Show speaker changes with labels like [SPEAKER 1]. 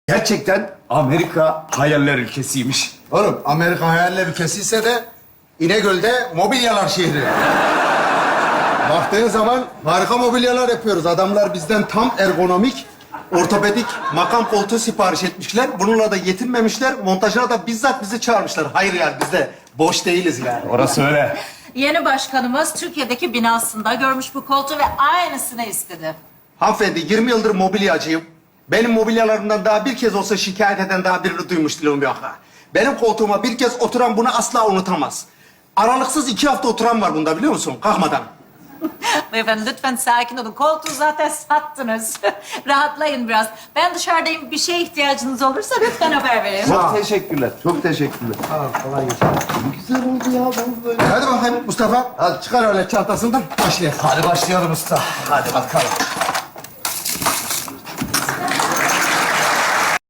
[SPEAKER 1] Gerçekten Amerika hayaller ülkesiymiş.
[SPEAKER 2] Oğlum Amerika hayaller ülkesiyse de İnegöl'de mobilyalar şehri. Baktığın zaman harika mobilyalar yapıyoruz. Adamlar bizden tam ergonomik, ortopedik makam koltuğu sipariş etmişler. Bununla da yetinmemişler. Montajına da bizzat bizi çağırmışlar. Hayır yani biz de boş değiliz yani.
[SPEAKER 1] Orası öyle.
[SPEAKER 3] Yeni başkanımız Türkiye'deki binasında görmüş bu koltuğu ve aynısını istedi.
[SPEAKER 2] Hanımefendi 20 yıldır mobilyacıyım. Benim mobilyalarımdan daha bir kez olsa şikayet eden daha birini duymuşluğum yok ha. Benim koltuğuma bir kez oturan bunu asla unutamaz. Aralıksız 2 hafta oturan var bunda biliyor musun? Kalkmadan.
[SPEAKER 3] Beyefendi lütfen sakin olun. Koltuğu zaten sattınız. Rahatlayın biraz. Ben dışarıdayım. Bir şeye ihtiyacınız olursa lütfen haber verin.
[SPEAKER 1] Çok teşekkürler, çok teşekkürler.
[SPEAKER 2] Güzel oldu ya bu böyle. Hadi bakayım Mustafa. Hadi çıkar öyle çantasından başlayalım.
[SPEAKER 1] Hadi başlayalım usta. Hadi bakalım.